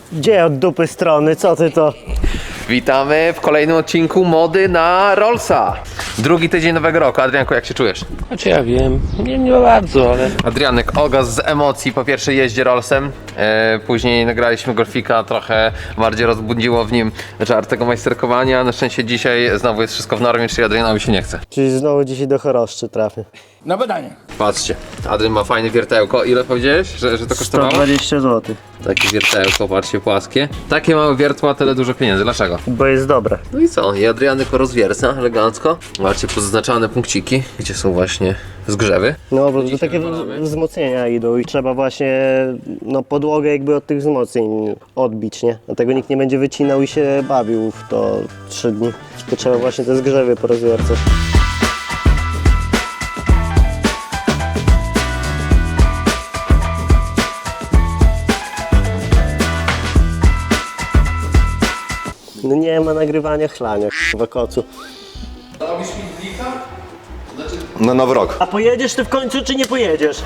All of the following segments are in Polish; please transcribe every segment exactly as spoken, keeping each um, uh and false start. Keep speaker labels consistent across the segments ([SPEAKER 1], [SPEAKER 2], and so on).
[SPEAKER 1] Gdzie od dupy strony? Co ty to?
[SPEAKER 2] Witamy w kolejnym odcinku mody na Rollsa. Drugi tydzień nowego roku. Adrianku, jak się czujesz?
[SPEAKER 3] Znaczy ja wiem, nie, nie bardzo, ale...
[SPEAKER 2] Adrianek ogasł z emocji po pierwszej jeździe Rollsem. E, później nagraliśmy golfika, trochę bardziej rozbudziło w nim żar tego majsterkowania. Na szczęście dzisiaj znowu jest wszystko w normie, czyli Adrianowi się nie chce.
[SPEAKER 1] Czyli znowu dzisiaj do choroszczy trafię.
[SPEAKER 3] Na badanie.
[SPEAKER 2] Patrzcie, Adrian ma fajne wiertełko. Ile powiedziałeś, że, że to
[SPEAKER 1] sto
[SPEAKER 2] kosztowało?
[SPEAKER 1] dwadzieścia złotych.
[SPEAKER 2] Takie wiertełko, patrzcie, płaskie. Takie małe wiertła, tyle dużo pieniędzy. Dlaczego?
[SPEAKER 1] Bo jest dobre.
[SPEAKER 2] No i co? I Adrianek rozwierca elegancko. Zobaczcie, pozaznaczane punkciki, gdzie są właśnie zgrzewy.
[SPEAKER 1] No bo to
[SPEAKER 2] Dzisiaj
[SPEAKER 1] takie
[SPEAKER 2] wywalamy.
[SPEAKER 1] wzmocnienia idą i trzeba właśnie no, podłogę jakby od tych wzmocnień odbić, nie? Dlatego nikt nie będzie wycinał i się bawił w to trzy dni. To trzeba właśnie te zgrzewy porozwiercać. No nie ma nagrywania chlania, k***wa kocu.
[SPEAKER 2] Robisz mi blika? Znaczy...
[SPEAKER 4] Na nowy rok.
[SPEAKER 1] A pojedziesz ty w końcu, czy nie pojedziesz?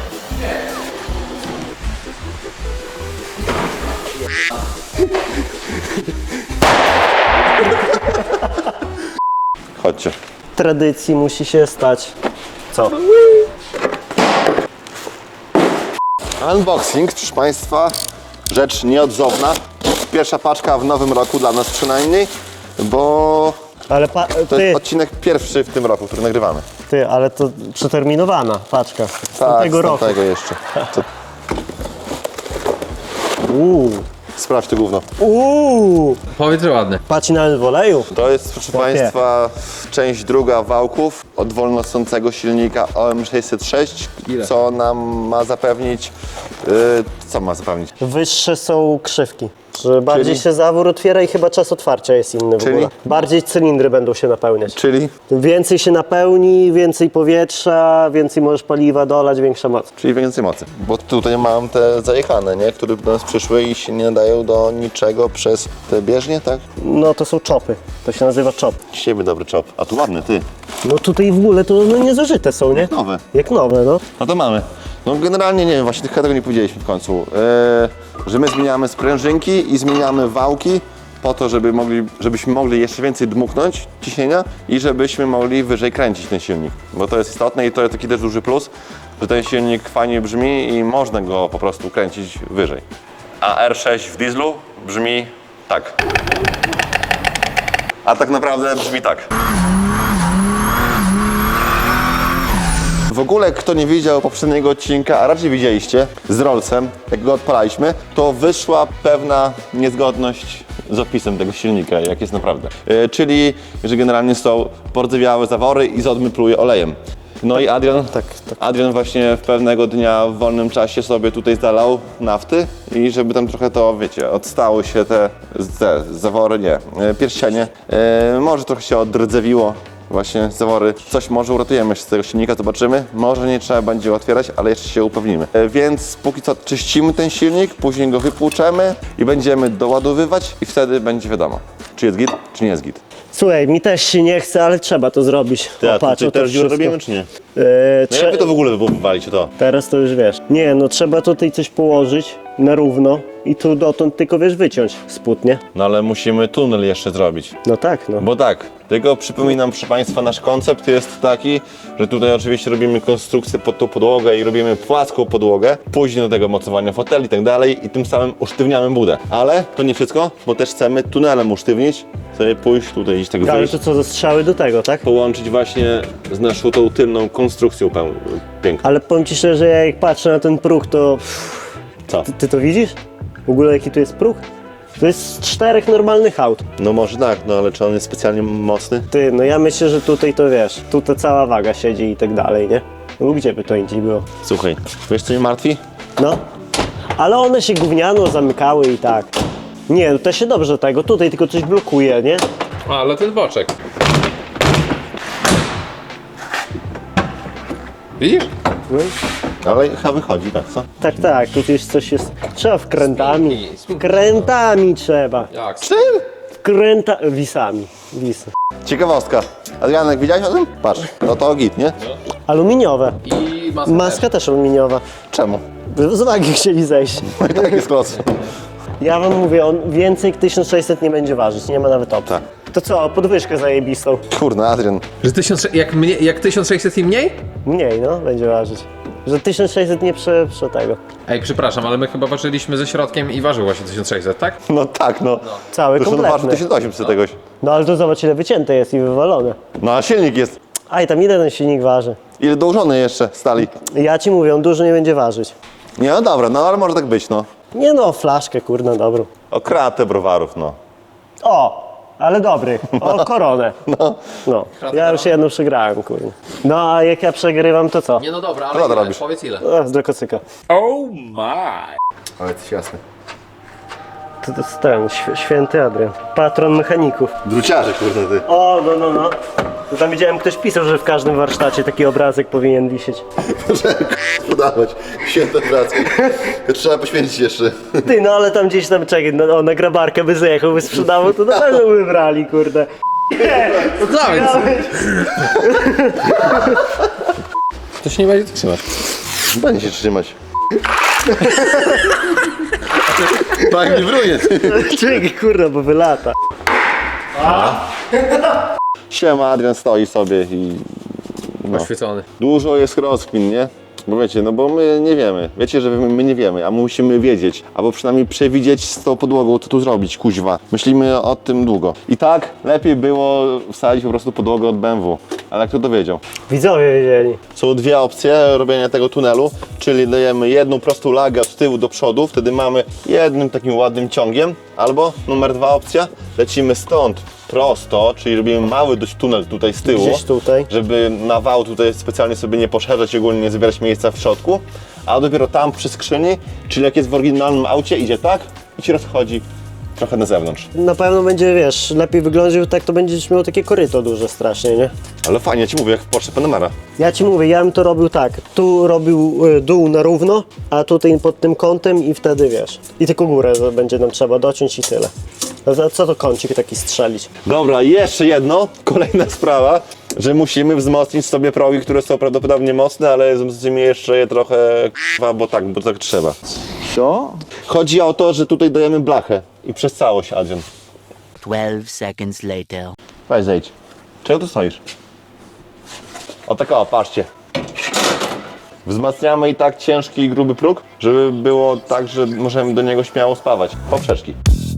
[SPEAKER 4] Chodźcie.
[SPEAKER 1] Tradycji musi się stać. Co?
[SPEAKER 4] Unboxing, proszę Państwa, rzecz nieodzowna. Pierwsza paczka w nowym roku dla nas przynajmniej, bo
[SPEAKER 1] Ale pa,
[SPEAKER 4] to
[SPEAKER 1] ty,
[SPEAKER 4] jest odcinek pierwszy w tym roku, który nagrywamy.
[SPEAKER 1] ty, ale to przeterminowana paczka. Z
[SPEAKER 4] Tak,
[SPEAKER 1] tamtego
[SPEAKER 4] z
[SPEAKER 1] roku.
[SPEAKER 4] tamtego jeszcze. To,
[SPEAKER 1] Uuu.
[SPEAKER 4] sprawdź to gówno.
[SPEAKER 1] Uuu.
[SPEAKER 2] Powiedz, że ładny.
[SPEAKER 1] Patrz nawet w oleju.
[SPEAKER 4] To jest, proszę
[SPEAKER 1] Chłopie.
[SPEAKER 4] Państwa, część druga wałków od wolnosącego silnika O M sześćset sześć,
[SPEAKER 2] Ile?
[SPEAKER 4] co nam ma zapewnić, yy, co ma zapewnić?
[SPEAKER 1] Wyższe są krzywki. Że bardziej
[SPEAKER 4] Czyli?
[SPEAKER 1] się zawór otwiera i chyba czas otwarcia jest inny w
[SPEAKER 4] Czyli?
[SPEAKER 1] ogóle. Bardziej cylindry będą się napełniać.
[SPEAKER 4] Czyli?
[SPEAKER 1] Więcej się napełni, więcej powietrza, więcej możesz paliwa dolać, większa moc.
[SPEAKER 4] Czyli więcej mocy. Bo tutaj mam te zajechane, nie? Które do nas przyszły i się nie nadają do niczego przez te bieżnie, tak?
[SPEAKER 1] No to są czopy. To się nazywa czop.
[SPEAKER 4] Siebie dobry czop. A tu ładny, ty.
[SPEAKER 1] No tutaj w ogóle to no, niezużyte są, nie?
[SPEAKER 4] Nowe.
[SPEAKER 1] Jak nowe, no.
[SPEAKER 4] No to mamy. No generalnie nie wiem, właśnie tego nie powiedzieliśmy w końcu. Yy, że my zmieniamy sprężynki i zmieniamy wałki po to, żeby mogli, żebyśmy mogli jeszcze więcej dmuchnąć ciśnienia i żebyśmy mogli wyżej kręcić ten silnik. Bo to jest istotne i to jest taki też duży plus, że ten silnik fajnie brzmi i można go po prostu kręcić wyżej. A R sześć w dieslu brzmi tak. A tak naprawdę brzmi tak. W ogóle, kto nie widział poprzedniego odcinka, a raczej widzieliście, z Rollsem, jak go odpalaliśmy, to wyszła pewna niezgodność z opisem tego silnika, jak jest naprawdę. Yy, czyli, że generalnie są pordzewiałe zawory i zodmy pluje olejem. No i Adrian,
[SPEAKER 1] tak, tak.
[SPEAKER 4] Adrian właśnie w pewnego dnia w wolnym czasie sobie tutaj zalał nafty i żeby tam trochę to, wiecie, odstały się te, te zawory, nie, yy, pierścienie. Yy, może trochę się oddrdzewiło. Właśnie zawory. Coś może uratujemy jeszcze z tego silnika, zobaczymy. Może nie trzeba będzie otwierać, ale jeszcze się upewnimy. E, więc póki co czyścimy ten silnik, później go wypłuczemy i będziemy doładowywać i wtedy będzie wiadomo, czy jest git, czy nie jest git.
[SPEAKER 1] Słuchaj, mi też się nie chce, ale trzeba to zrobić.
[SPEAKER 4] Ty, a
[SPEAKER 1] O, patrz,
[SPEAKER 4] tutaj
[SPEAKER 1] o to
[SPEAKER 4] też dziurę
[SPEAKER 1] wszystko.
[SPEAKER 4] robimy, czy nie?
[SPEAKER 1] Eee,
[SPEAKER 4] No
[SPEAKER 1] trze-
[SPEAKER 4] jak wy to w ogóle wywalicie to?
[SPEAKER 1] Teraz to już wiesz. Nie, no trzeba tutaj coś położyć na równo i tu dotąd tylko wiesz wyciąć spód, nie?
[SPEAKER 4] No ale musimy tunel jeszcze zrobić.
[SPEAKER 1] No tak, no.
[SPEAKER 4] Bo tak, tylko przypominam, proszę Państwa, nasz koncept jest taki, że tutaj oczywiście robimy konstrukcję pod tą podłogę i robimy płaską podłogę, później do tego mocowania foteli i tak dalej i tym samym usztywniamy budę. Ale to nie wszystko, bo też chcemy tunelem usztywnić, sobie pójść tutaj iść tak
[SPEAKER 1] Ale
[SPEAKER 4] wyjść,
[SPEAKER 1] to co, ze strzały do tego, tak?
[SPEAKER 4] połączyć właśnie z naszą tą tylną konstrukcją peł- piękną.
[SPEAKER 1] Ale powiem ci szczerze, ja jak patrzę na ten próg, to...
[SPEAKER 4] Co?
[SPEAKER 1] Ty, ty to widzisz? W ogóle jaki tu jest próg? To jest z czterech normalnych aut.
[SPEAKER 4] No może tak, no ale czy on jest specjalnie mocny?
[SPEAKER 1] Ty, no ja myślę, że tutaj to wiesz, tu ta cała waga siedzi i tak dalej, nie? No gdzie by to indziej było?
[SPEAKER 4] Słuchaj, wiesz co mnie martwi?
[SPEAKER 1] No. Ale one się gówniano zamykały i tak. Nie, no to się dobrze tego, tutaj tylko coś blokuje, nie?
[SPEAKER 2] A, ale ten boczek. Widzisz?
[SPEAKER 1] No.
[SPEAKER 4] Ale chyba wychodzi, tak co?
[SPEAKER 1] Tak, tak, tu już coś jest. Trzeba wkrętami.
[SPEAKER 2] Spinki, spinki.
[SPEAKER 1] Wkrętami trzeba.
[SPEAKER 2] Jak?
[SPEAKER 4] Czym?
[SPEAKER 1] Wkręta... wisami. Wisy.
[SPEAKER 4] Ciekawostka. Adrianek, widziałeś o tym? Patrz, no to git, nie?
[SPEAKER 1] Aluminiowe.
[SPEAKER 2] I maska,
[SPEAKER 1] Maska też aluminiowa.
[SPEAKER 4] Czemu?
[SPEAKER 1] Z wagi chcieli zejść.
[SPEAKER 4] Tak jest los.
[SPEAKER 1] Ja wam mówię, on więcej jak tysiąc sześćset nie będzie ważyć, nie ma nawet opcji.
[SPEAKER 4] Tak.
[SPEAKER 1] To co, podwyżkę zajebistą?
[SPEAKER 4] Kurna, Adrian.
[SPEAKER 2] Że tysiąc, jak, mnie, jak tysiąc sześćset i mniej?
[SPEAKER 1] Mniej, no, będzie ważyć. Że tysiąc sześćset nie prze, prze tego.
[SPEAKER 2] Ej, przepraszam, ale my chyba ważyliśmy ze środkiem i ważył właśnie tysiąc sześćset, tak?
[SPEAKER 4] No tak, no.
[SPEAKER 1] Cały
[SPEAKER 4] Zresztą waży
[SPEAKER 1] kompletny.
[SPEAKER 4] tysiąc osiemset tegoś.
[SPEAKER 1] No ale to zobacz ile wycięte jest i wywalone.
[SPEAKER 4] No a silnik jest.
[SPEAKER 1] A i tam ile ten silnik waży?
[SPEAKER 4] Ile dołożony jeszcze stali?
[SPEAKER 1] Ja ci mówię, on dużo nie będzie ważyć.
[SPEAKER 4] Nie, no dobra, no ale może tak być, no.
[SPEAKER 1] Nie no, flaszkę, kurna, dobrą.
[SPEAKER 4] O kratę browarów, no.
[SPEAKER 1] O, ale dobry. O, koronę. No. No, ja już jedną przegrałem, kurwa. No, a jak ja przegrywam, to co?
[SPEAKER 2] Nie no dobra, ale
[SPEAKER 4] Co ty
[SPEAKER 2] ile?
[SPEAKER 4] robisz?
[SPEAKER 2] Powiedz ile.
[SPEAKER 1] O, do kocyka.
[SPEAKER 3] Oh my!
[SPEAKER 2] Ale to jest jasne.
[SPEAKER 1] To, to jest ten, św- święty Adrian. Patron mechaników.
[SPEAKER 4] Druciarze, kurde ty.
[SPEAKER 1] O, no, no, no. To tam widziałem, ktoś pisał, że w każdym warsztacie taki obrazek powinien wisieć.
[SPEAKER 4] Podawać. Święte pracy. Trzeba poświęcić jeszcze.
[SPEAKER 1] Ty, no ale tam gdzieś tam, czekaj, no, o, na grabarkę by zjechał, by sprzedawał, to na pewno by brali, kurde.
[SPEAKER 2] No dawaj! To się nie będzie tak trzymać.
[SPEAKER 4] Będzie się trzymać. Tak nie wruje.
[SPEAKER 1] Czekaj, kurde, bo wylata.
[SPEAKER 4] Siema, Adrian stoi sobie i... No.
[SPEAKER 2] Oświecony.
[SPEAKER 4] Dużo jest rozkmin, nie? Bo wiecie, no bo my nie wiemy. Wiecie, że my, my nie wiemy, a my musimy wiedzieć. Albo przynajmniej przewidzieć z tą podłogą, co tu zrobić, kuźwa. Myślimy o tym długo. I tak lepiej było wsadzić po prostu podłogę od B M W. Ale kto to wiedział?
[SPEAKER 1] Widzowie wiedzieli.
[SPEAKER 4] Są dwie opcje robienia tego tunelu, czyli dajemy jedną prostą lagę od tyłu do przodu, wtedy mamy jednym takim ładnym ciągiem. Albo numer dwa opcja, lecimy stąd prosto, czyli robimy mały dość tunel tutaj z tyłu.
[SPEAKER 1] Gdzieś tutaj.
[SPEAKER 4] Żeby na wał tutaj specjalnie sobie nie poszerzać i ogólnie nie zabierać miejsca w środku, a dopiero tam przy skrzyni, czyli jak jest w oryginalnym aucie, idzie tak i się rozchodzi trochę na zewnątrz.
[SPEAKER 1] Na pewno będzie, wiesz, lepiej wyglądać, tak to będziesz miał takie koryto duże strasznie, nie?
[SPEAKER 4] Ale fajnie, ja ci mówię, jak w Porsche Panamera.
[SPEAKER 1] Ja ci mówię, ja bym to robił tak, tu robił y, dół na równo, a tutaj pod tym kątem i wtedy, wiesz, i tylko górę będzie nam trzeba dociąć i tyle. A za co to kącik taki strzelić?
[SPEAKER 4] Dobra, jeszcze jedno, kolejna sprawa, że musimy wzmocnić sobie progi, które są prawdopodobnie mocne, ale wzmocnimy jeszcze je trochę k***wa, bo tak, bo tak trzeba.
[SPEAKER 3] Co?
[SPEAKER 4] Chodzi o to, że tutaj dajemy blachę i przez całość, Adrian.
[SPEAKER 5] Twelve seconds later.
[SPEAKER 4] Weź zejdź. Czego tu stoisz? O tak o, patrzcie. Wzmacniamy i tak ciężki i gruby próg, żeby było tak, że możemy do niego śmiało spawać. Poprzeczki.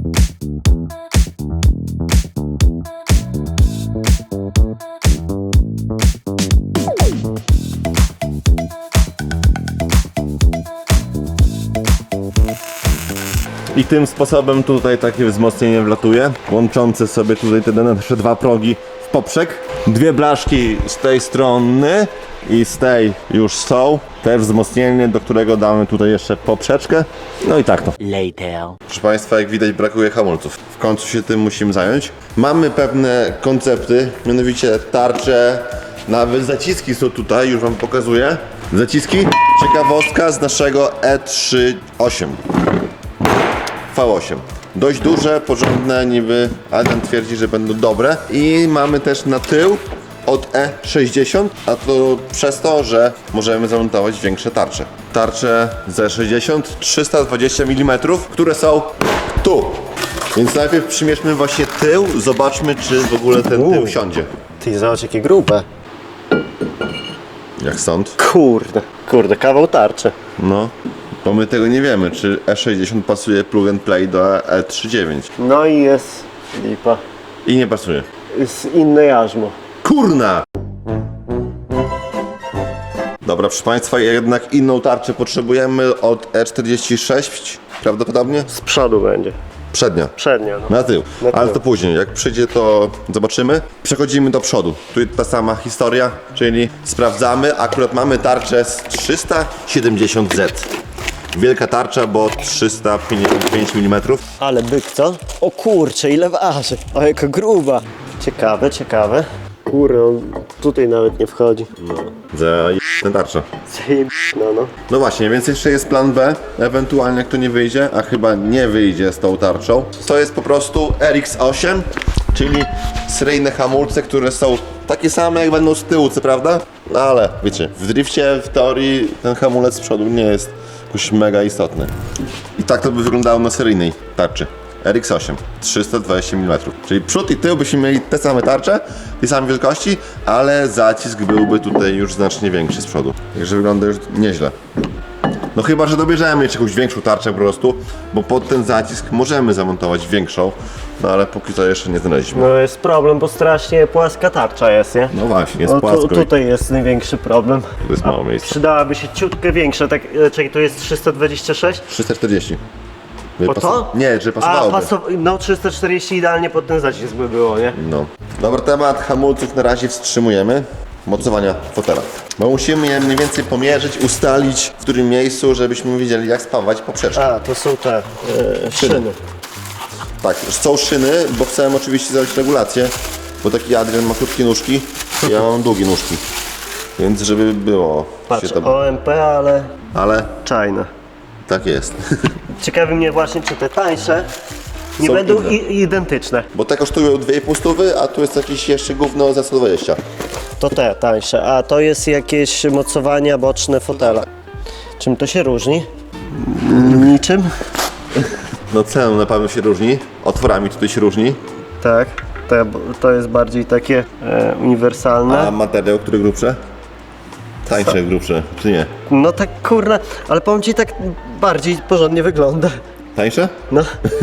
[SPEAKER 4] I tym sposobem tutaj takie wzmocnienie wlatuje, łączące sobie tutaj te nasze dwa progi w poprzek. Dwie blaszki z tej strony i z tej już są. Też wzmocnienie, do którego damy tutaj jeszcze poprzeczkę. No i tak to.
[SPEAKER 5] Later.
[SPEAKER 4] Proszę Państwa, jak widać, brakuje hamulców. W końcu się tym musimy zająć. Mamy pewne koncepty, mianowicie tarcze, nawet zaciski są tutaj, już Wam pokazuję. Zaciski, ciekawostka z naszego E trzydzieści osiem. V osiem. Dość duże, porządne, niby Adrian twierdzi, że będą dobre. I mamy też na tył od E sześćdziesiąt, a to przez to, że możemy zamontować większe tarcze. Tarcze z E sześćdziesiąt, trzysta dwadzieścia milimetrów, które są tu. Więc najpierw przymierzmy właśnie tył, zobaczmy, czy w ogóle ten tył
[SPEAKER 1] Uuu.
[SPEAKER 4] siądzie.
[SPEAKER 1] Ty, zobacz jakie grube.
[SPEAKER 4] Jak stąd?
[SPEAKER 1] Kurde, kurde, kawał tarczy.
[SPEAKER 4] No. Bo my tego nie wiemy, czy E sześćdziesiąt pasuje plug and play do E trzydzieści dziewięć.
[SPEAKER 1] No i jest lipa.
[SPEAKER 4] I nie pasuje.
[SPEAKER 1] Jest inne jarzmo.
[SPEAKER 4] Kurna! Dobra, proszę Państwa, jednak inną tarczę potrzebujemy od E czterdzieści sześć, prawdopodobnie?
[SPEAKER 1] Z przodu będzie.
[SPEAKER 4] Przednia.
[SPEAKER 1] Przednia, no.
[SPEAKER 4] Na tył.
[SPEAKER 1] Na tył.
[SPEAKER 4] Ale to później, jak przyjdzie, to zobaczymy. Przechodzimy do przodu. Tu jest ta sama historia, czyli sprawdzamy. Akurat mamy tarczę z trzysta siedemdziesiąt Z. Wielka tarcza, bo trzysta pięćdziesiąt pięć milimetrów.
[SPEAKER 1] Ale byk, co? O kurcze, ile waży. O, jaka gruba. Ciekawe, ciekawe. Kurde, on tutaj nawet nie wchodzi.
[SPEAKER 4] Za tę tarczę.
[SPEAKER 1] Zajeb... No, no.
[SPEAKER 4] No właśnie, więc jeszcze jest plan B, ewentualnie jak to nie wyjdzie, a chyba nie wyjdzie z tą tarczą. To jest po prostu R X osiem, czyli seryjne hamulce, które są takie same jak będą z tyłu, co prawda? No ale wiecie, w drifcie w teorii ten hamulec z przodu nie jest jakoś mega istotny. I tak to by wyglądało na seryjnej tarczy. R X osiem, trzysta dwadzieścia milimetrów. Czyli przód i tył byśmy mieli te same tarcze, tej samej wielkości, ale zacisk byłby tutaj już znacznie większy z przodu. Także wygląda już nieźle. No chyba, że dobierzemy jeszcze jakąś większą tarczę po prostu, bo pod ten zacisk możemy zamontować większą, no ale póki co jeszcze nie znaleźliśmy.
[SPEAKER 1] No jest problem, bo strasznie płaska tarcza jest, nie?
[SPEAKER 4] No właśnie, jest
[SPEAKER 1] No
[SPEAKER 4] płasko.
[SPEAKER 1] tu, tutaj jest największy problem.
[SPEAKER 4] Tu jest mało miejsca.
[SPEAKER 1] Przydałaby się ciutkę większa, tak, e, czekaj, tu jest trzysta dwadzieścia sześć?
[SPEAKER 4] trzysta czterdzieści. By
[SPEAKER 1] O
[SPEAKER 4] pasu-
[SPEAKER 1] to?
[SPEAKER 4] Nie, że
[SPEAKER 1] A,
[SPEAKER 4] pasowałoby.
[SPEAKER 1] pasow... no trzysta czterdzieści idealnie pod ten zacisk by było, nie?
[SPEAKER 4] No. Dobra, temat hamulców na razie wstrzymujemy. Mocowania fotela. Bo musimy je mniej więcej pomierzyć, ustalić w którym miejscu, żebyśmy wiedzieli jak spawać poprzeczki.
[SPEAKER 1] A, to są te e, szyny.
[SPEAKER 4] Tak, są szyny, bo chcemy oczywiście zrobić regulację, bo taki Adrian ma krótkie nóżki, ja mam długie nóżki. Więc żeby było
[SPEAKER 1] Patrz,
[SPEAKER 4] się to...
[SPEAKER 1] O M P, ale
[SPEAKER 4] Ale
[SPEAKER 1] czajne.
[SPEAKER 4] tak jest.
[SPEAKER 1] Ciekawi mnie właśnie, czy te tańsze nie
[SPEAKER 4] Są
[SPEAKER 1] będą
[SPEAKER 4] inne.
[SPEAKER 1] i, identyczne.
[SPEAKER 4] Bo te kosztują dwie i pół stówy, a tu jest jakieś jeszcze gówno za sto dwadzieścia.
[SPEAKER 1] To te tańsze, a to jest jakieś mocowania boczne fotela. Czym to się różni? Niczym?
[SPEAKER 4] No ceną na pewno się różni, otworami tutaj się różni,
[SPEAKER 1] Tak, to, to jest bardziej takie e, uniwersalne.
[SPEAKER 4] a materiał, który grubsze? Tańsze, grubsze, czy nie?
[SPEAKER 1] No tak kurna, ale powiem ci, tak bardziej porządnie wygląda.
[SPEAKER 4] Tańsze?
[SPEAKER 1] No.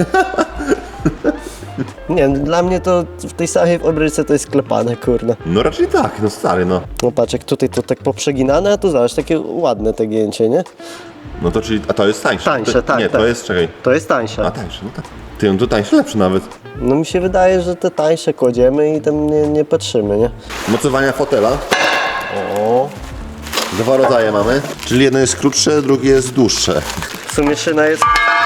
[SPEAKER 1] Nie wiem, dla mnie to w tej samej obryce to jest klepane, kurna.
[SPEAKER 4] No raczej tak, no stary, no.
[SPEAKER 1] No patrz, jak tutaj to tak poprzeginane, a tu zobacz, takie ładne te gięcie, nie?
[SPEAKER 4] No to czyli, a to jest tańsze?
[SPEAKER 1] Tańsze,
[SPEAKER 4] to,
[SPEAKER 1] tak,
[SPEAKER 4] Nie,
[SPEAKER 1] tak.
[SPEAKER 4] to jest, czekaj.
[SPEAKER 1] To jest tańsze.
[SPEAKER 4] A tańsze, no tak. Ty, no to tańsze lepsze nawet.
[SPEAKER 1] No mi się wydaje, że te tańsze kładziemy i tam nie, nie patrzymy, nie?
[SPEAKER 4] Mocowania fotela.
[SPEAKER 1] O.
[SPEAKER 4] Dwa rodzaje mamy. Czyli jedno jest krótsze, drugie jest dłuższe.
[SPEAKER 1] W sumie szyna jest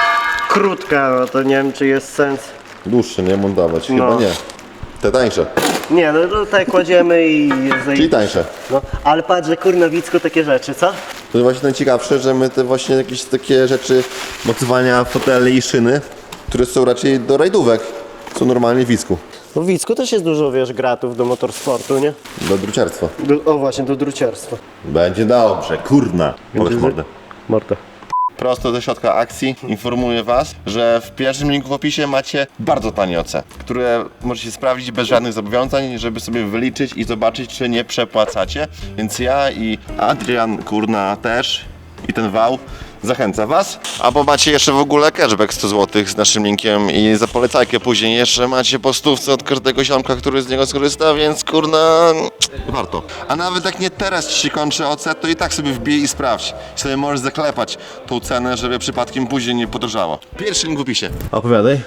[SPEAKER 1] krótka, no to nie wiem, czy jest sens.
[SPEAKER 4] Dłuższe, nie montować? Chyba
[SPEAKER 1] No.
[SPEAKER 4] nie. Te tańsze,
[SPEAKER 1] Nie, no tutaj kładziemy i jest
[SPEAKER 4] czyli tańsze.
[SPEAKER 1] No, ale patrz, że kurna Wicku takie rzeczy, co?
[SPEAKER 4] To jest właśnie najciekawsze, że my te właśnie jakieś takie rzeczy, mocowania foteli i szyny, które są raczej do rajdówek, są normalnie w Wisku.
[SPEAKER 1] No w Wicku też jest dużo, wiesz, gratów do motorsportu, nie?
[SPEAKER 4] Do druciarstwa.
[SPEAKER 1] Do, o właśnie, do druciarstwa.
[SPEAKER 4] Będzie dobrze, kurna. Powiedz mordę.
[SPEAKER 1] Morta.
[SPEAKER 4] Prosto ze środka akcji informuję Was, że w pierwszym linku w opisie macie bardzo tanie O C, które możecie sprawdzić bez żadnych zobowiązań, żeby sobie wyliczyć i zobaczyć, czy nie przepłacacie. Więc ja i Adrian, kurna, też i ten wał zachęca Was. Albo macie jeszcze w ogóle cashback sto złotych z naszym linkiem i za polecajkę później jeszcze macie po stówce od każdego ziomka, który z niego skorzysta, więc kurna, warto. A nawet jak nie teraz Ci się kończy O C, to i tak sobie wbij i sprawdź. I sobie możesz zaklepać tą cenę, żeby przypadkiem później nie podrożało. Pierwszy link w opisie. Opowiadaj.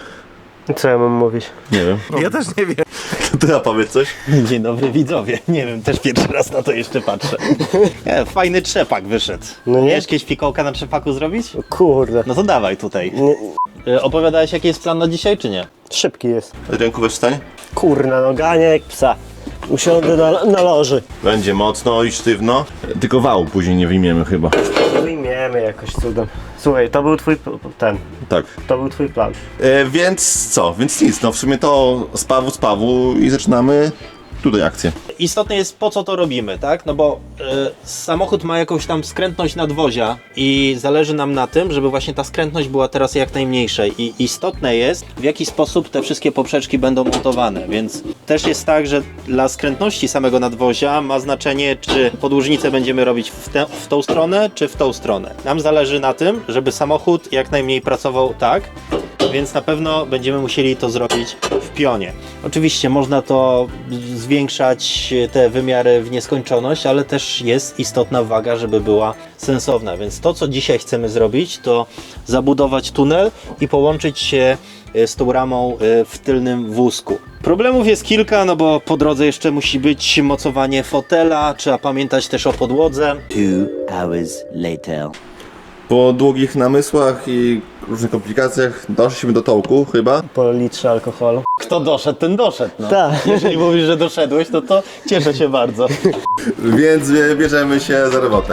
[SPEAKER 1] Co ja mam mówić?
[SPEAKER 4] Nie wiem.
[SPEAKER 6] Ja też nie wiem.
[SPEAKER 4] To ja powiedz coś.
[SPEAKER 6] Dzień dobry widzowie. Nie wiem, też pierwszy raz na to jeszcze patrzę. Nie, fajny trzepak wyszedł.
[SPEAKER 1] No nie?
[SPEAKER 6] Chcesz jakieś fikołka na trzepaku zrobić?
[SPEAKER 1] Kurde.
[SPEAKER 6] No to dawaj tutaj.
[SPEAKER 1] Nie,
[SPEAKER 6] Y, Opowiadałeś jaki jest plan na dzisiaj, czy nie?
[SPEAKER 1] szybki jest.
[SPEAKER 4] Adrianku, weź wstań.
[SPEAKER 1] Kurna, no gania jak psa. Usiądę na, na loży.
[SPEAKER 4] Będzie mocno i sztywno. Tylko wału później nie wyjmiemy chyba.
[SPEAKER 1] Wyjmiemy jakoś cudem. Słuchaj, to był twój p- ten,
[SPEAKER 4] Tak.
[SPEAKER 1] to był twój plan.
[SPEAKER 4] E, więc co? Więc nic, no w sumie to z Pawu, z Pawu i zaczynamy tutaj akcję.
[SPEAKER 6] Istotne jest po co to robimy, tak? No bo y, samochód ma jakąś tam skrętność nadwozia i zależy nam na tym, żeby właśnie ta skrętność była teraz jak najmniejsza i istotne jest w jaki sposób te wszystkie poprzeczki będą montowane, więc też jest tak, że dla skrętności samego nadwozia ma znaczenie, czy podłużnicę będziemy robić w, te, w tą stronę, czy w tą stronę. Nam zależy na tym, żeby samochód jak najmniej pracował tak, więc na pewno będziemy musieli to zrobić w pionie. Oczywiście można to zwiększać te wymiary w nieskończoność, ale też jest istotna waga, żeby była sensowna. Więc to, co dzisiaj chcemy zrobić, to zabudować tunel i połączyć się z tą ramą w tylnym wózku. Problemów jest kilka, no bo po drodze jeszcze musi być mocowanie fotela, trzeba pamiętać też o podłodze.
[SPEAKER 5] Two hours later.
[SPEAKER 4] Po długich namysłach i różnych komplikacjach doszliśmy do tołku chyba.
[SPEAKER 1] Po litrze alkoholu.
[SPEAKER 6] Kto doszedł, ten doszedł. No.
[SPEAKER 1] Tak.
[SPEAKER 6] Jeżeli mówisz, że doszedłeś, to to cieszę się bardzo.
[SPEAKER 4] Więc e, bierzemy się za robotę.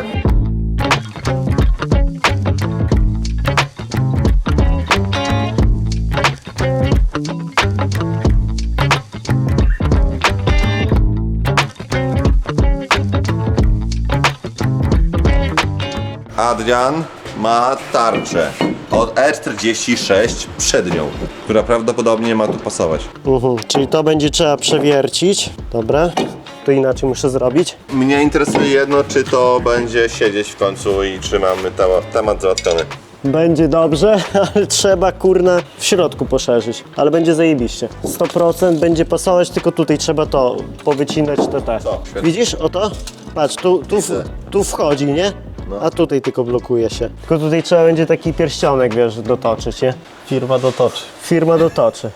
[SPEAKER 4] Adrian, ma tarczę od E czterdzieści sześć przednią, która prawdopodobnie ma tu pasować.
[SPEAKER 1] Mhm, czyli to będzie trzeba przewiercić. Dobra. To inaczej muszę zrobić.
[SPEAKER 4] Mnie interesuje jedno, czy to będzie siedzieć w końcu i czy mamy temat, temat załatwiony.
[SPEAKER 1] Będzie dobrze, ale trzeba kurna w środku poszerzyć. Ale będzie zajebiście. sto procent będzie pasować, tylko tutaj trzeba to powycinać te te.
[SPEAKER 4] Co?
[SPEAKER 1] Widzisz, oto? Patrz, tu, tu, tu wchodzi, nie? A tutaj tylko blokuje się. Tylko tutaj trzeba będzie taki pierścionek, wiesz, dotoczyć, nie?
[SPEAKER 6] Firma dotoczy.
[SPEAKER 1] Firma dotoczy.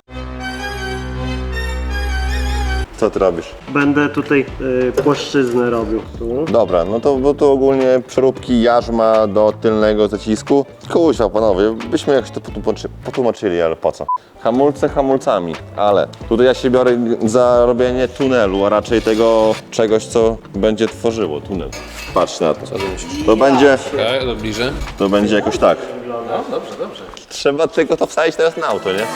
[SPEAKER 4] Co ty robisz?
[SPEAKER 1] Będę tutaj y, płaszczyznę robił. Tu.
[SPEAKER 4] Dobra, no to bo tu ogólnie przeróbki jarzma do tylnego zacisku. Kuźwa panowie, byśmy jakoś to potłumaczy, potłumaczyli, ale po co? Hamulce hamulcami, ale tutaj ja się biorę za robienie tunelu, a raczej tego czegoś, co będzie tworzyło tunel. Patrz na to. Co ty myślisz? To będzie,
[SPEAKER 2] Okej, okay, bliżej.
[SPEAKER 4] to będzie jakoś tak.
[SPEAKER 2] No, dobrze, dobrze.
[SPEAKER 4] Trzeba tylko to wsadzić teraz na auto, nie?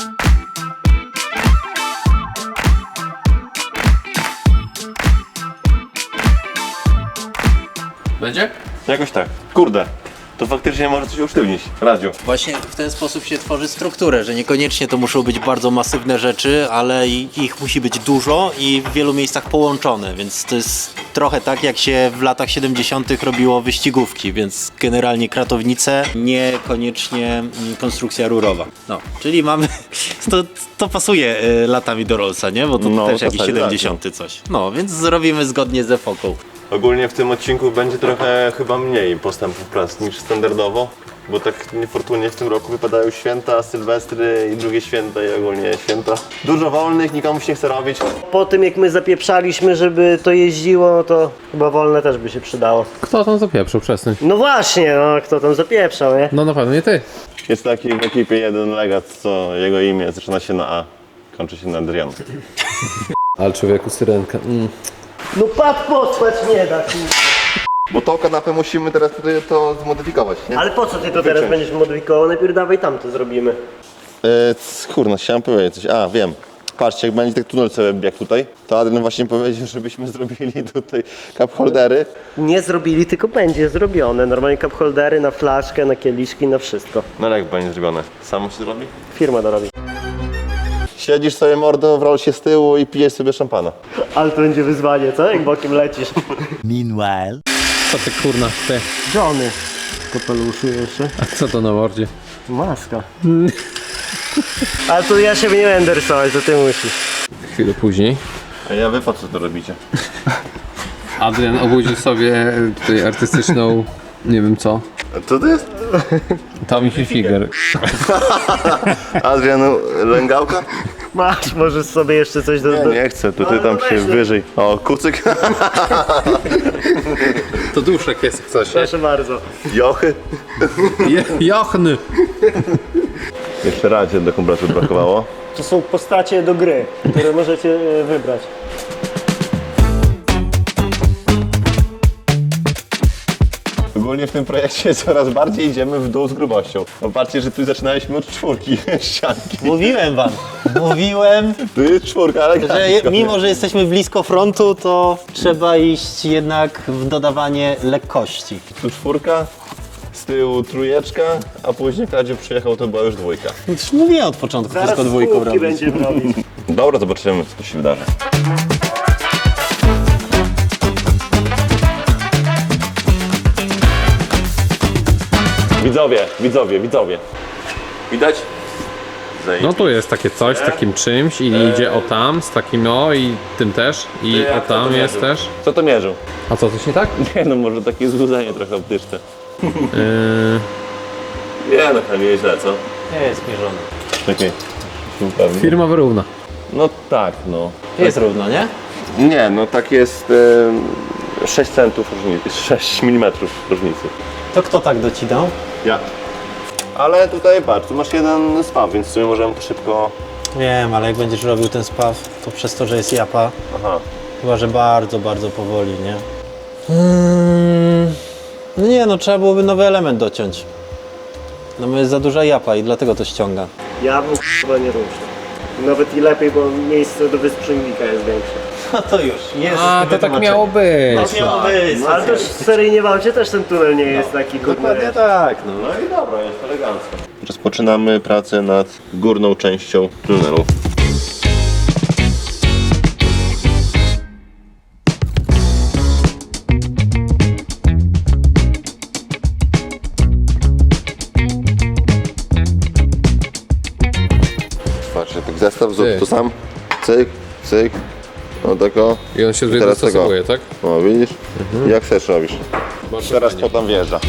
[SPEAKER 2] Będzie?
[SPEAKER 4] Jakoś tak. Kurde, to faktycznie może coś usztywnić. Radziu.
[SPEAKER 6] Właśnie w ten sposób się tworzy strukturę, że niekoniecznie to muszą być bardzo masywne rzeczy, ale i- ich musi być dużo i w wielu miejscach połączone, więc to jest trochę tak, jak się w latach siedemdziesiątych robiło wyścigówki, więc generalnie kratownice, niekoniecznie mm, konstrukcja rurowa. No, czyli mamy, to, to pasuje y, latami do Rollsa, nie? Bo to
[SPEAKER 4] No,
[SPEAKER 6] też
[SPEAKER 4] to
[SPEAKER 6] jakiś
[SPEAKER 4] tak,
[SPEAKER 6] siedemdziesiąty coś. No, więc zrobimy zgodnie z epoką.
[SPEAKER 4] Ogólnie w tym odcinku będzie trochę chyba mniej postępów prac niż standardowo, bo tak niefortunnie w tym roku wypadają święta, sylwestry i drugie święta i ogólnie święta. Dużo wolnych, nikomu się nie chce robić.
[SPEAKER 1] Po tym jak my zapieprzaliśmy, żeby to jeździło, to chyba wolne też by się przydało.
[SPEAKER 2] Kto tam zapieprzył? Przestań.
[SPEAKER 1] No właśnie, no kto tam zapieprzał, nie?
[SPEAKER 2] No na pewno nie ty.
[SPEAKER 4] Jest taki w ekipie jeden legat, co jego imię zaczyna się na A, kończy się na Adrian.
[SPEAKER 2] Ale człowieku, syrenka. Mm.
[SPEAKER 1] No pad potrwać nie da, kurwa.
[SPEAKER 4] Bo tą kanapę musimy teraz tutaj to zmodyfikować, nie?
[SPEAKER 1] Ale po co ty to teraz
[SPEAKER 4] Wyciąć.
[SPEAKER 1] będziesz modyfikował? Najpierw dawaj tam to zrobimy.
[SPEAKER 4] Yy, kurno, chciałem powiedzieć coś. A, wiem. Patrzcie, jak będzie tak tunel sobie jak tutaj, to Adrian właśnie powiedział, żebyśmy zrobili tutaj cup holdery.
[SPEAKER 1] Nie zrobili, tylko będzie zrobione. Normalnie cup holdery na flaszkę, na kieliszki, na wszystko.
[SPEAKER 4] No ale jak będzie zrobione? Samo się zrobi?
[SPEAKER 1] Firma dorobi.
[SPEAKER 4] Siedzisz sobie mordo w rolsie z tyłu i pijesz sobie szampana.
[SPEAKER 1] Ale to będzie wyzwanie, co? Jak bokiem lecisz.
[SPEAKER 5] Meanwhile,
[SPEAKER 2] Co ty kurna, ty?
[SPEAKER 1] Johnny. W kapeluszu jeszcze.
[SPEAKER 2] A co to na mordzie?
[SPEAKER 1] Maska. Ale to ja się nie będę rysować, to ty musisz.
[SPEAKER 2] Chwilę później.
[SPEAKER 4] A ja wy po co to robicie?
[SPEAKER 2] Adrian obudził sobie tutaj artystyczną, nie wiem co,
[SPEAKER 4] A co to jest?
[SPEAKER 2] Tommy Hilfiger.
[SPEAKER 4] Adrian Lęgałka?
[SPEAKER 1] Masz, możesz sobie jeszcze coś do...
[SPEAKER 4] Nie,
[SPEAKER 1] do...
[SPEAKER 4] nie chcę, tutaj
[SPEAKER 1] No,
[SPEAKER 4] tam
[SPEAKER 1] no
[SPEAKER 4] się
[SPEAKER 1] weź, no.
[SPEAKER 4] wyżej. O, kucyk.
[SPEAKER 2] To duszek jest jak coś.
[SPEAKER 1] Proszę bardzo.
[SPEAKER 4] Jochy.
[SPEAKER 2] Je, jochny.
[SPEAKER 4] Jeszcze radzie do kompletu brakowało.
[SPEAKER 1] To są postacie do gry, które możecie e, wybrać.
[SPEAKER 4] Ogólnie w tym projekcie coraz bardziej idziemy w dół z grubością. Popatrzcie, że tu zaczynaliśmy od czwórki ścianki.
[SPEAKER 6] Mówiłem wam, mówiłem,
[SPEAKER 4] Tu jest czwórka, ale
[SPEAKER 6] że je, mimo, że jesteśmy blisko frontu, to trzeba iść jednak w dodawanie lekkości.
[SPEAKER 4] tu czwórka, z tyłu trójeczka, a później jak Radziu przyjechał, to była już dwójka.
[SPEAKER 6] Już mówiłem od początku,
[SPEAKER 1] Zaraz
[SPEAKER 6] wszystko dwójką
[SPEAKER 1] spółki
[SPEAKER 6] robić.
[SPEAKER 1] będziemy robić.
[SPEAKER 4] Dobra, zobaczymy, co tu się wydarzy. Widzowie, widzowie, widzowie. Widać?
[SPEAKER 2] No tu jest takie coś z takim czymś i idzie o tam, z takim o i tym też i
[SPEAKER 4] jak
[SPEAKER 2] o
[SPEAKER 4] to
[SPEAKER 2] tam
[SPEAKER 4] to
[SPEAKER 2] jest
[SPEAKER 4] mierzył?
[SPEAKER 2] też.
[SPEAKER 4] Co to mierzył?
[SPEAKER 2] A co, coś nie tak?
[SPEAKER 4] Nie no, może takie złudzenie trochę optyczne.
[SPEAKER 2] Yy,
[SPEAKER 4] Nie no, chyba nie źle, co?
[SPEAKER 6] Nie jest mierzony.
[SPEAKER 4] Czekaj. Upewnię.
[SPEAKER 2] firma wyrówna.
[SPEAKER 4] No tak, no.
[SPEAKER 6] Jest równo, nie?
[SPEAKER 4] Nie, no tak jest e, sześć centów różnicy, sześć milimetrów różnicy.
[SPEAKER 6] To kto tak docinał?
[SPEAKER 4] Ja. Ale tutaj patrz, tu masz jeden spaw, więc w sumie możemy to szybko...
[SPEAKER 6] Wiem, ale jak będziesz robił ten spaw, to przez to, że jest japa,
[SPEAKER 4] Aha.
[SPEAKER 6] chyba, że bardzo, bardzo powoli, nie? Hmm. No nie, no trzeba byłoby nowy element dociąć. No bo jest za duża japa i dlatego to ściąga.
[SPEAKER 1] Ja bym chyba nie ruszał. Nawet i lepiej, bo miejsce do wysprzęgnika jest większe.
[SPEAKER 6] No to już, jest.
[SPEAKER 2] A, to tak miało być.
[SPEAKER 6] Tak miało być.
[SPEAKER 1] No, ale też w seryjnie w aucie też ten tunel nie jest taki
[SPEAKER 6] Dokładnie tak, no.
[SPEAKER 4] No i dobra, jest elegancko. Rozpoczynamy pracę nad górną częścią tunelu. Patrzcie, tak zestaw, zrób
[SPEAKER 2] Ty.
[SPEAKER 4] to sam. Cyk, cyk. O tako.
[SPEAKER 2] I on się tutaj
[SPEAKER 4] Teraz tego.
[SPEAKER 2] dostosowuje, tak?
[SPEAKER 4] O, widzisz? Jak chcesz robisz.
[SPEAKER 2] Bardzo
[SPEAKER 4] Teraz
[SPEAKER 2] fajnie.
[SPEAKER 4] to tam wjeżdża.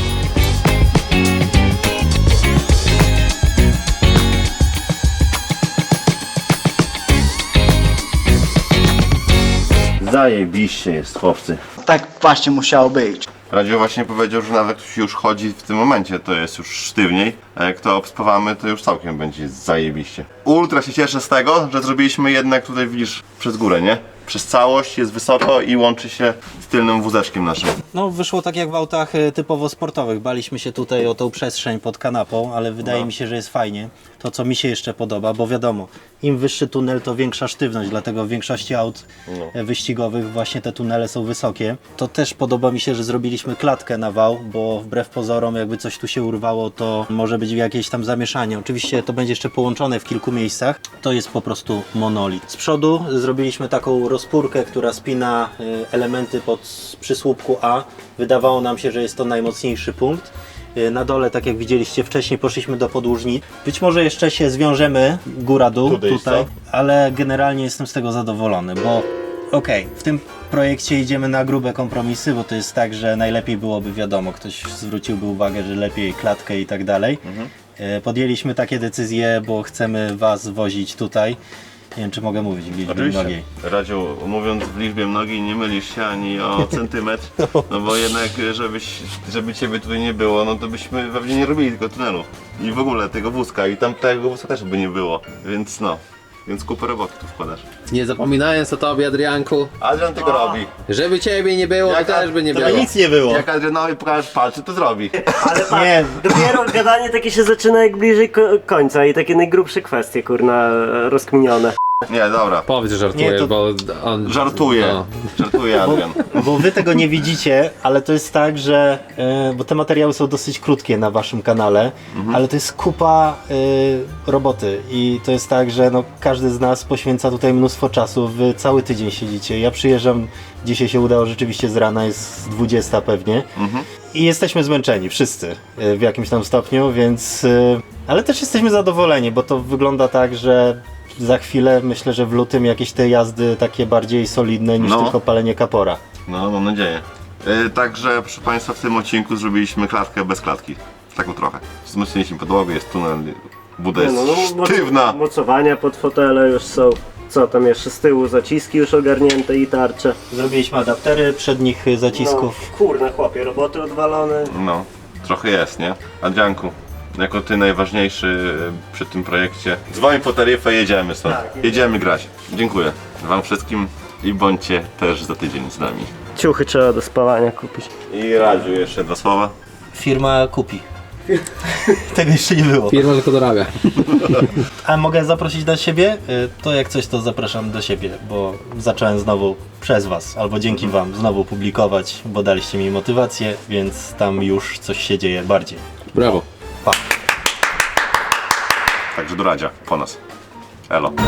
[SPEAKER 4] Zajebiście jest, chłopcy.
[SPEAKER 5] Tak właśnie musiało być.
[SPEAKER 4] Radziu właśnie powiedział, że nawet jak już chodzi w tym momencie, to jest już sztywniej, a jak to obspawamy, to już całkiem będzie zajebiście. Ultra się cieszę z tego, że zrobiliśmy jednak tutaj, widzisz, przez górę, nie? Przez całość, jest wysoko i łączy się z tylnym wózeczkiem naszym.
[SPEAKER 6] No wyszło tak jak w autach e, typowo sportowych. Baliśmy się tutaj o tą przestrzeń pod kanapą, ale wydaje mi się, że jest fajnie. To co mi się jeszcze podoba, bo wiadomo, im wyższy tunel, to większa sztywność, dlatego w większości aut e, wyścigowych właśnie te tunele są wysokie. To też podoba mi się, że zrobiliśmy klatkę na wał, bo wbrew pozorom jakby coś tu się urwało, to może być jakieś tam zamieszanie. Oczywiście to będzie jeszcze połączone w kilku miejscach. To jest po prostu monolit. Z przodu zrobiliśmy taką rozpórkę, która spina y, elementy pod przysłupku A. Wydawało nam się, że jest to najmocniejszy punkt. Y, Na dole, tak jak widzieliście wcześniej, poszliśmy do podłużni. Być może jeszcze się zwiążemy góra-dół
[SPEAKER 4] Tutaj,
[SPEAKER 6] tutaj,
[SPEAKER 4] co?
[SPEAKER 6] ale generalnie jestem z tego zadowolony, bo okej, w tym projekcie idziemy na grube kompromisy, bo to jest tak, że najlepiej byłoby, wiadomo, ktoś zwróciłby uwagę, że lepiej klatkę i tak dalej. Y, Podjęliśmy takie decyzje, bo chcemy Was wozić tutaj. Nie wiem, czy mogę mówić w liczbie mnogiej.
[SPEAKER 4] Radziu, mówiąc w liczbie mnogiej, nie mylisz się ani o centymetr, no bo jednak, żebyś, żeby ciebie tutaj nie było, no to byśmy pewnie nie robili tego tunelu. I w ogóle tego wózka, i tam tego wózka też by nie było, więc no. Więc kupę roboty tu wkładasz.
[SPEAKER 2] Nie zapominając o tobie, Adrianku,
[SPEAKER 4] Adrian tego robi.
[SPEAKER 2] żeby ciebie nie było, to
[SPEAKER 4] Jak-
[SPEAKER 2] też by nie
[SPEAKER 6] To
[SPEAKER 2] było.
[SPEAKER 6] by nic nie było.
[SPEAKER 4] Jak Adrianowi pokażesz palce, to zrobi.
[SPEAKER 1] Ale patrz,
[SPEAKER 6] Nie.
[SPEAKER 1] dopiero gadanie takie się zaczyna jak bliżej ko końca i takie najgrubsze kwestie, kurna, rozkminione.
[SPEAKER 4] Nie, dobra.
[SPEAKER 2] Powiedz, że żartujesz,
[SPEAKER 6] Nie, to-
[SPEAKER 2] bo on...
[SPEAKER 4] Żartuję.
[SPEAKER 2] No.
[SPEAKER 4] Żartuję, Adrian.
[SPEAKER 6] Bo wy tego nie widzicie, ale to jest tak, że e, bo te materiały są dosyć krótkie na waszym kanale, ale to jest kupa e, roboty i to jest tak, że no, każdy z nas poświęca tutaj mnóstwo czasu, wy cały tydzień siedzicie. Ja przyjeżdżam, dzisiaj się udało rzeczywiście z rana, jest dwudziesta pewnie i jesteśmy zmęczeni, wszyscy e, w jakimś tam stopniu, więc e, ale też jesteśmy zadowoleni, bo to wygląda tak, że za chwilę myślę, że w lutym jakieś te jazdy takie bardziej solidne niż
[SPEAKER 4] No.
[SPEAKER 6] tylko palenie kapora.
[SPEAKER 4] No, mam nadzieję. Yy, także, proszę Państwa, w tym odcinku zrobiliśmy klatkę bez klatki. Taką trochę. Wzmocniliśmy podłogę, jest tunel, buda jest
[SPEAKER 1] moc-
[SPEAKER 4] sztywna.
[SPEAKER 1] Mocowania pod fotele już są. Co tam jeszcze z tyłu? Zaciski już ogarnięte i tarcze.
[SPEAKER 6] Zrobiliśmy adaptery przednich zacisków.
[SPEAKER 1] No, kurna chłopie, roboty odwalone.
[SPEAKER 4] No, trochę jest, nie? Adrianku, jako Ty najważniejszy y, przy tym projekcie, dzwoń po taryfę, jedziemy stąd.
[SPEAKER 1] Tak, jedziemy.
[SPEAKER 4] jedziemy grać. Dziękuję Wam wszystkim i bądźcie też za tydzień z nami.
[SPEAKER 1] Ciuchy trzeba do spawania kupić.
[SPEAKER 4] I Radziu, jeszcze dwa słowa.
[SPEAKER 6] Firma kupi. Tego jeszcze nie było.
[SPEAKER 2] Firma tylko dorabia.
[SPEAKER 6] A mogę zaprosić do siebie? Y, To jak coś, to zapraszam do siebie, bo zacząłem znowu przez Was, albo dzięki Wam znowu publikować, bo daliście mi motywację, więc tam już coś się dzieje bardziej.
[SPEAKER 2] Brawo.
[SPEAKER 6] Pa!
[SPEAKER 4] Także do Radzia, po nas. Elo.